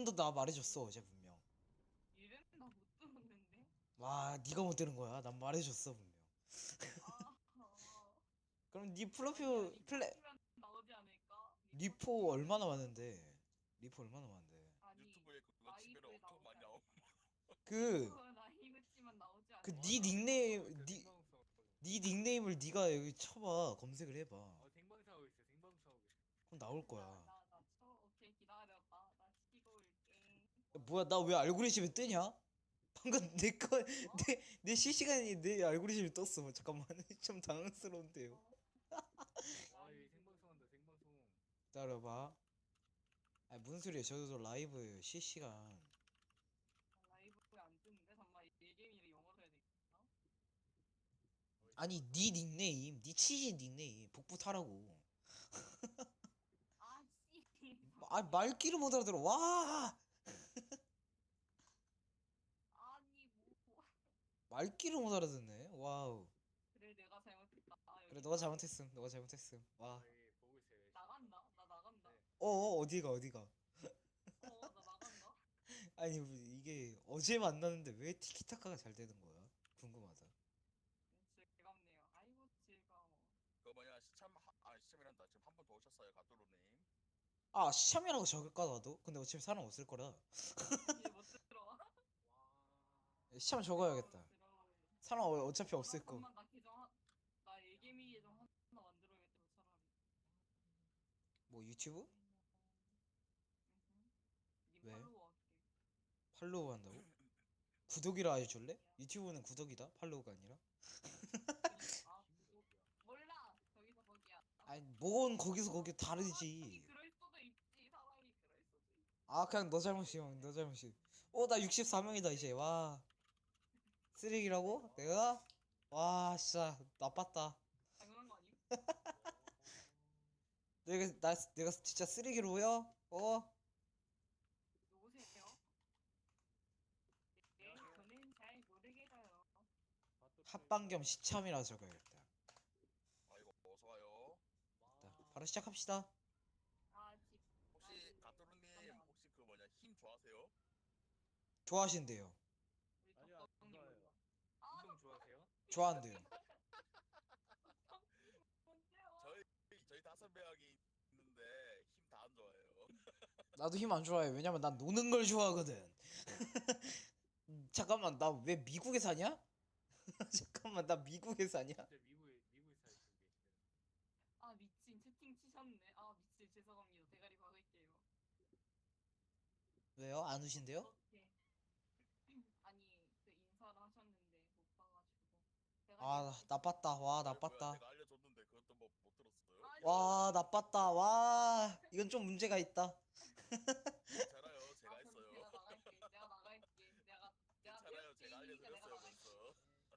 이름도 나 말해줬어 어제 분명. 이름 나 못 들었는데. 와 네가 못 들은 거야. 난 말해줬어 분명. 아, 그럼 네 아니야 프로필 리포 플레 치면 나오지 않을까? 리포 리포 치면은 얼마나 많은데? 리포 얼마나 많은데? 아니 유튜브에 그거 치면 라이브에 엄청 나오지 많이 않을까? 나옴. 그 라이브 치면 나오지 그 않을까? 네 나 생방송하고 닉네임 있어. 네 생방송하고. 네 닉네임을 네가 여기 쳐봐. 검색을 해봐. 생방송하고 있어. 생방송하고 있어. 그럼 나올 거야. 나나 쳐. 오케이 기다려봐. 나 시키고 올게. 야, 뭐야 나 왜 알고리즘에 뜨냐? 방금 어? 내 실시간이 내 알고리즘이 떴어. 잠깐만 좀 당황스러운데요. 어? 이 라이브. 생방송한다. 생방송. 기다려봐. 아 무슨 소리야? 저도 라이브 실시간. 라이브에 안 뜨는데? 잠깐만 이 게임이 영어로 해야 되겠나? 아니 네 닉네임, 네 치신 닉네임 복부 타라고. 아 씨. 아 말귀를 못 알아들어. 와 아니 뭐. 말귀를 못 알아듣네. 와우. 그래 내가 잘못했다. 그래 여기 너가 있다. 잘못했음. 너가 잘못했음. 와. 보고 있어요. 열심히. 나간다. 나 나간다. 네. 어디가. 나 나간다. 아니 이게 어제 만났는데 왜 티키타카가 잘 되는 거야? 궁금하다. 즐겁네요. 아이고 즐거워. 그 뭐냐 시참이란다. 지금 한 번 더 오셨어요 가뚜루님. 아 시참이라고 적을까 나도? 근데 어차피 사람 없을 거라. 이제 못 들어. 와. 시참 적어야겠다. 들어. 사람 어차피 나 없을 거. 잠만 나 나 예개미 계정 하나 만들어야겠다 차라리. 뭐 유튜브? 님 왜? 팔로우 할게. 팔로우 한다고? 구독이라 해줄래? 유튜브는 구독이다. 팔로우가 아니라. 구독. 몰라. 저기서 거기야. 아니 뭔 거기서 거기 사람이 다르지. 그럴 수도 있지. 사람이 그럴 수도 있지. 아 그냥 너 잘못이야. 너 잘못이. 나 64명이다 이제. 와 쓰레기라고? 내가? 와 진짜 나빴다. 당연한 거 아님? 내가 진짜 쓰레기로 보여? 누구세요? 네, 저는 잘 모르겠어요. 합방 겸 시참이라 적어야겠다. 아이고 어서 와요. 자, 바로 시작합시다. 집. 혹시 가뚜루님 혹시 그 뭐냐 힘 좋아하세요? 좋아하신대요. 우리 아니야, 덕덕님 그거예요. 몰라. 운동 좋아하세요? 좋아한대요. 뭔데요? 저희 5명이 있는데 힘 다 안 좋아해요. 나도 힘 안 좋아해. 왜냐면 난 노는 걸 좋아하거든. 잠깐만 나 왜 미국에 사냐? 잠깐만 나 미국에 사냐? 진짜 미국에 살고 계시대요. 아 미친 채팅 치셨네. 아 미친 죄송합니다. 대가리 박을게요. 왜요? 안 우신대요? 어떻게? 아니 그 인사를 하셨는데 못 봐가지고. 대가리 아 박을게요. 나빴다. 와 뭐야 나빴다. 내가 알려줬는데 그것도 뭐 못 들었어요? 아니, 와 나빴다. 와 이건 좀 문제가 있다. 괜찮아요 제가 그럼 했어요. 제가 나갈게. 내가 나갈게. 내가 괜찮아요 제가 페이스니까 내가 알려드렸어요 나갈게. 벌써.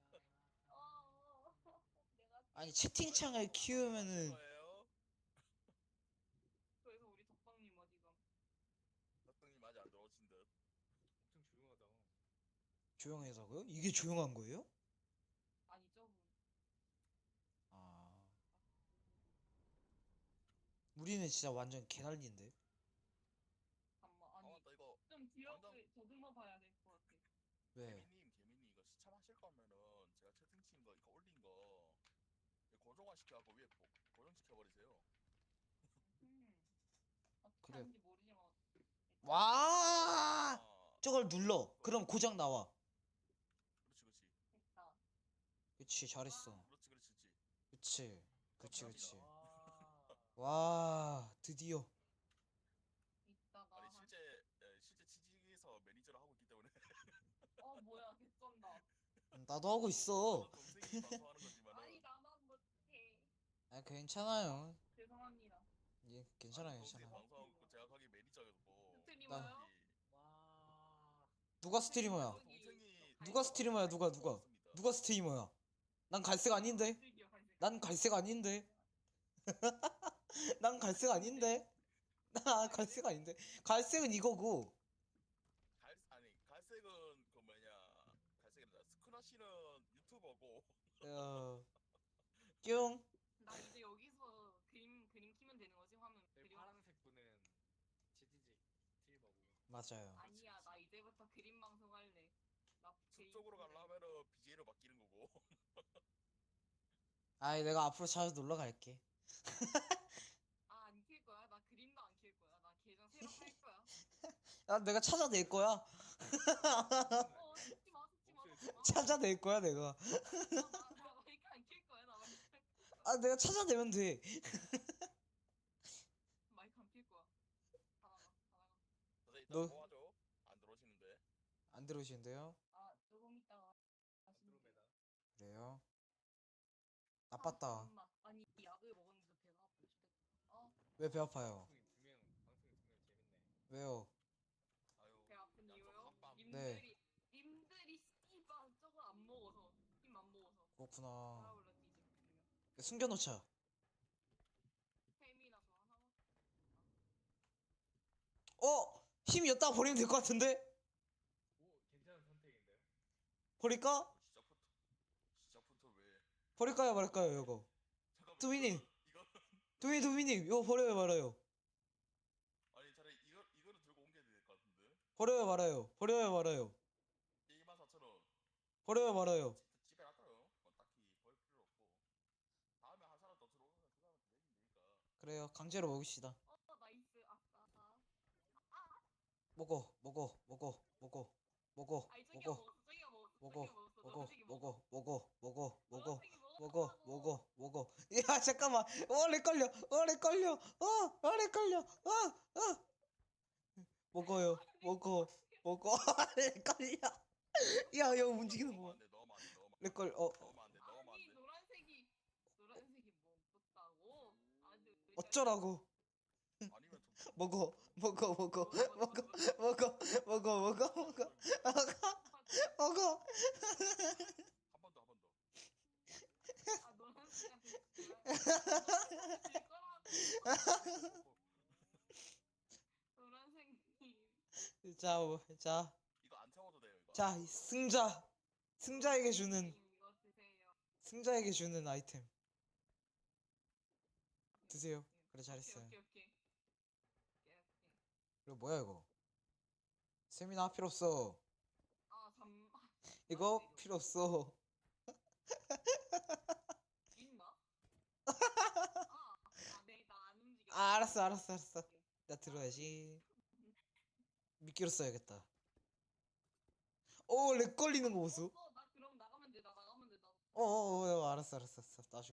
내가 아니 페이스. 채팅창을 아이고, 하실 키우면은 거예요? 그래서 우리 덕방님 어디가? 덕등님 아직 안 들어오신 듯. 엄청 조용하다. 조용해서고요? 이게 조용한 거예요? 아니 저분. 아 우리는 진짜 완전 개난리인데. 잠만 아 아니 맞다 이거 좀 당장 기억을 더듬어 봐야 될 것 같아. 왜? 개미님 이거 시참하실 거면은 제가 채팅 친 거 이거 올린 거 고정화 시켜갖고 위에 고정시켜 버리세요. 어떻게 그래. 하는지 모르지만 와 저걸 눌러. 그, 그럼 고장 나와. 그렇지 됐다. 그치 잘했어. 그렇지. 그치 그치 감사합니다. 그치. 와. 와 드디어. 이따가 아니 실제 취직에서 매니저를 하고 있기 때문에 뭐야 개쩐다. 나도 하고 있어. 저는 동생이 방송하는 거지만은 아니 나만 못해. 아 괜찮아요. 죄송합니다. 예 아니 괜찮아요 동생이 괜찮아. 방송하고 제가 거기 매니저였고 스트리머요? 와. 누가 스트리머야? 동생이 누가 스트리머야 맞습니다. 누가 스트리머야? 난 갈색 아닌데? 갈색이요, 갈색. 난 갈색 아닌데? 난 갈색 아닌데? 나 갈색 아닌데? 갈색은 이거고. 갈색은 그 뭐냐 갈색이라 스크라시는 유튜버고 뿅. 나 이제 여기서 그림 키면 되는 거지 화면 네, 그림. 파란색 분은 지지직 스트리머고. 맞아요. 아니야, 나 이제부터 그림 방송 할래. 나 숲쪽으로 가려면은 BJ로 바뀌는 거고. 아이 내가 앞으로 자주 놀러 갈게. 아, 안 킬 거야? 나 그림도 안 킬 거야. 나 계정 새로 할 거야. 야 내가 찾아낼 거야. 어, 속지 마, 속지 마, 속지 마. 찾아낼 거야 내가. 나 마이크 안 킬 거야. 나 마이크 안 킬 거야. 아 내가 찾아내면 돼. 마이크 안 킬 거야. 다 나가, 다 나가. 선생님 너- 일단 도와줘. 안 들어오시는데. 안 들어오시는데요? 아, 조금 있다가 다시. 안드로메다. 그래요? 아, 나빴다. 잠깐만. 아니, 약을 먹었는데 배가 아프지. 왜 배 아파요? 방송이 재밌네. 왜요? 아유. 배 아픈 야, 이유요? 저 깜빡. 네. 님들이 씨발 저거 안 먹어서 힘 안 먹어서 그렇구나. 달아올라 뒤지 그러면 숨겨놓자. 햄이나 저 하나 어? 힘 였다가 버리면 될 것 같은데? 오, 괜찮은 선택인데요? 버릴까? 시작부터 왜? 버릴까요 말까요 이거? 잠깐만. 두민이. 이거 도민님 이거 버려요 말아요? 아니 차라리 이거는 들고 옮겨야 될 것 같은데. 버려요 말아요? 버려요 말아요? 24,000원. 버려요 말아요? 집에 놔둬요. 딱히 버릴 필요 없고. 다음에 한 사람 더 들어오면 그 사람한테 내면 되니까. 그래요 강제로 먹읍시다. 나이스 아싸 먹어 먹어 먹어 먹어 먹어 아니 저기가 먹어 먹었어 저기가 먹었어 먹어 저기가 먹었어 먹어 먹어 먹어 먹어 노란색이 먹어 먹어 야 잠깐만 렉 걸려 렉 걸려 렉 걸려 먹어요 먹어 먹어 렉 걸려 야 이거 움직이는 넣으면 거 안 돼. 넣으면 안 돼. 넣으면 안 돼. 렉 걸려 넣으면 안 돼. 넣으면 안 아니 돼. 노란색이 먹었다고 아주 어쩌라고 아니면 좀 먹어 먹어 먹어 먹어 먹어 먹어 먹어 먹어 먹어 한 번 더, 한 번 더. 아 노란색한테 질 거라고 노란색님 자 이거 안 채워도 돼요, 이거. 자, 승자에게 주는 이거 드세요 승자에게 주는 아이템 드세요. 그래 잘했어요. 오케이. 그리고 뭐야 이거? 세미나 필요 없어. 아 잠. 이거 필요 없어. 있나? 네, 나 안 움직여. 알았어. 나 들어야지. 미끼로 써야겠다. 오, 렉 걸리는 거 보소. 나 그럼 나가면 돼. 나 나가면 돼. 알았어. 나중에.